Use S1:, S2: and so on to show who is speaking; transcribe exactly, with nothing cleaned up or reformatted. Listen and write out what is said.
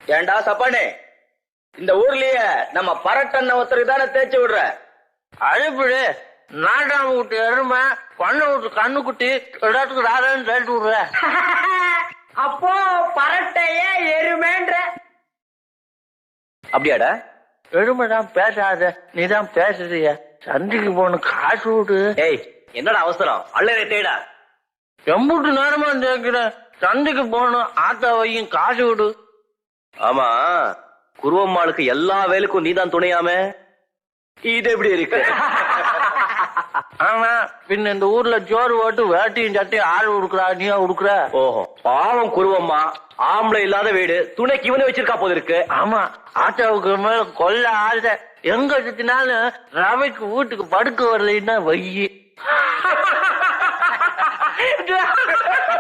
S1: ஏண்டா சப்பானே, இந்த ஊர்லயே நம்ம பரட்டன்ன ஒருத்தருக்கு தானே தேய்ச்சி விடுற.
S2: அழுப்பிடு நாட்டாம விட்டு எருமை பண்ண விட்டு கண்ணு குட்டி எல்லாத்துக்கும் ராதான்னு தேய்ச்சி விடுற.
S3: அப்போ பரட்டைய எருமைன்ற.
S1: அப்படியாடா?
S2: எருமைதான் பேசாத, நீதான் பேசுறிய. சந்தைக்கு போன காசு விடு.
S1: ஏய், என்னடா அவசரம்? அள்ளரை தேடா.
S2: எம்பூட்டு நேரமா கேட்கிற. சந்தைக்கு போகணும், ஆத்தா வையும் காசு விடு.
S1: ஆமா, குருவம்மாளுக்கு எல்லா வேலைக்கும் நீதான் துணையாமே, இது எப்படி இருக்கு?
S2: ஆமா, பின்ன இந்த ஊர்ல ஜோறு ஓட்டு வேட்டியும் சட்டையும் ஆள் உடுக்குறா, நீயா உடுக்குற?
S1: ஓஹோ, பாவம் குருவம்மா, ஆம்பளை இல்லாத வீடு, துணைக்கு இவனு வச்சிருக்கா போது இருக்கு.
S2: ஆமா, ஆத்தாவுக்கு மேல கொல்ல ஆசை. எங்க சுத்தினாலும் ரவைக்கு வீட்டுக்கு படுக்க வரலைன்னா வையி.